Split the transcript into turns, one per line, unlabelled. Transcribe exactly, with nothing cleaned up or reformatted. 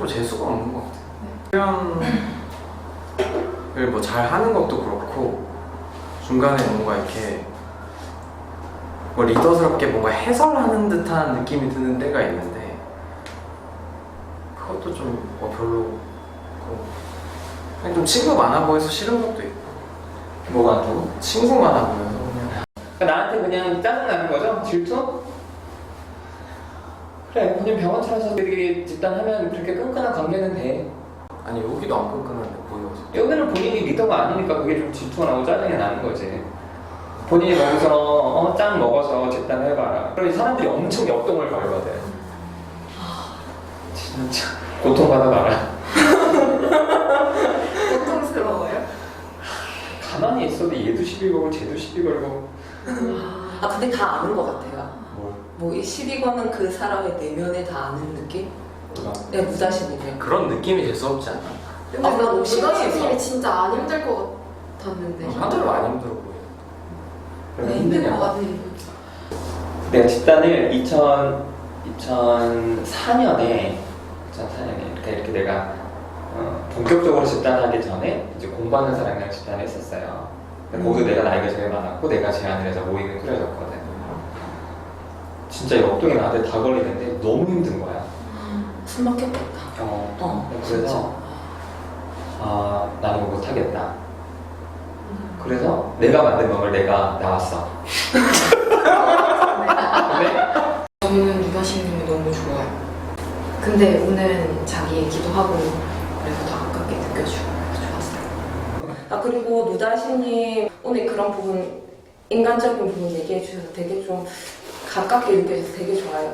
뭐 재수가 없는 것 같아요. 표현을 뭐 잘 하는 것도 그렇고 중간에 뭔가 이렇게 뭐 리더스럽게 뭔가 해설하는 듯한 느낌이 드는 때가 있는데 그것도 좀 뭐 별로 그냥 좀 친구 많아 보여서 싫은 것도 있고.
뭐가 또?
친구 많아 보여서 그냥.
그러니까 나한테 그냥 짜증나는 거죠? 질투? 그래, 본인 병원 차려서 되게 집단하면 그렇게 끈끈한 관계는 돼.
아니 여기도 안 끈끈한데 보여서.
여기는 본인이 리더가 아니니까 그게 좀 질투가 나고 짜증이 나는 거지. 본인이 거기서 어, 짱 먹어서 집단해봐라. 그럼 사람들이 엄청 역동을 걸거든. 진짜 고통받아봐라.
고통스러워요?
가만히 있어도 얘도 시비 걸고 쟤도 시비 걸고.
아 근데 다 아는 것 같아요.
뭘?
뭐이 시비 거는 그 사람의 내면에 다 아는 느낌?
누가?
네, 무자신이네.
그런 느낌이 재수없지 않아?
근데
아,
나
나
너무
무다신님이
심해서.
진짜 안 힘들 것 같았는데.
하나도 안 힘들어 보여.
그럼
네, 힘들 것
힘드냐고.
같아.
내가 집단을 이천, 이천사 년에 이천사 년에 이렇게, 이렇게 내가 어, 본격적으로 집단하기 전에 이제 공부하는 사람이랑 집단을 했었어요. 근데 거기도 내가 나이가 제일 많았고 내가 제안을 해서 모임을 꾸려졌거든. 진짜 역동이 나한테 다 걸리는데 너무 힘든 거야.
숨 막혔겠다.
어,
어,
그래서 아 나는 이거 못하겠다. 그래서 내가 만든 걸 내가 나왔어. 근데
저는 유다신님이 너무 좋아요. 근데 오늘은 자기 얘기도 하고 그래서 더 가깝게 느껴지고 좋았어요.
아 그리고 누다신님 오늘 그런 부분 인간적인 부분 얘기해 주셔서 되게 좀 가깝게 느껴져서 되게 좋아요.